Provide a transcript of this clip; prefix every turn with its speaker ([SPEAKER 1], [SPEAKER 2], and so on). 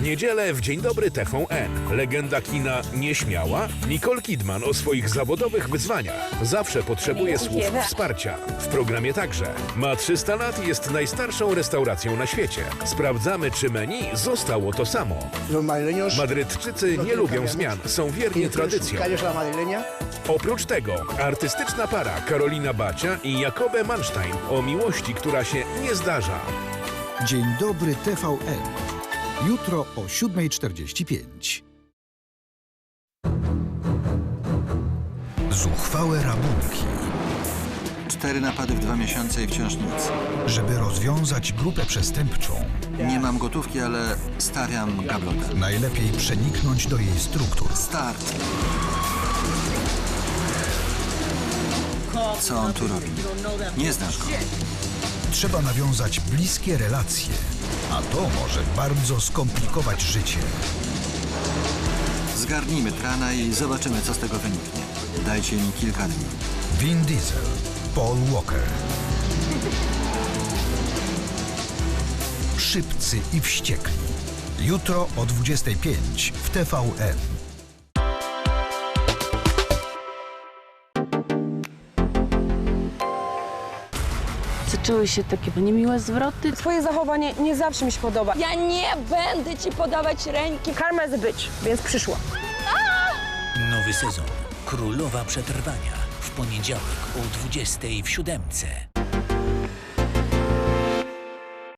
[SPEAKER 1] niedzielę w Dzień Dobry TVN. Legenda kina nieśmiała Nicole Kidman o swoich zawodowych wyzwaniach. Zawsze potrzebuje słów wsparcia. W programie także. Ma 300 lat i jest najstarszą restauracją na świecie. Sprawdzamy, czy menu zostało to samo. Madrydczycy nie lubią zmian, są wierni tradycjom. Oprócz tego artystyczna para Karolina Bacia i Jakobe Manstein o miłości, która się nie zdarza.
[SPEAKER 2] Dzień Dobry TVN. Jutro o 7:45. Zuchwałe rabunki.
[SPEAKER 3] 4 napady w 2 miesiące i wciąż nic.
[SPEAKER 2] Żeby rozwiązać grupę przestępczą,
[SPEAKER 3] Nie mam gotówki, ale stawiam gablotę.
[SPEAKER 2] najlepiej przeniknąć do jej struktur.
[SPEAKER 3] Start. Co on tu robi? Nie znasz go.
[SPEAKER 2] Trzeba nawiązać bliskie relacje, a to może bardzo skomplikować życie.
[SPEAKER 3] Zgarnijmy Trana i zobaczymy, co z tego wyniknie. Dajcie mi kilka dni.
[SPEAKER 2] Vin Diesel, Paul Walker. Szybcy i wściekli. Jutro o 25 w TVN.
[SPEAKER 4] Zaczęły się takie niemiłe zwroty.
[SPEAKER 5] Twoje zachowanie nie zawsze mi się podoba.
[SPEAKER 6] Ja nie będę ci podawać ręki.
[SPEAKER 5] Karma is a bitch, więc przyszła.
[SPEAKER 7] Nowy sezon. Królowa Przetrwania. W poniedziałek o 20:00 w 7:00.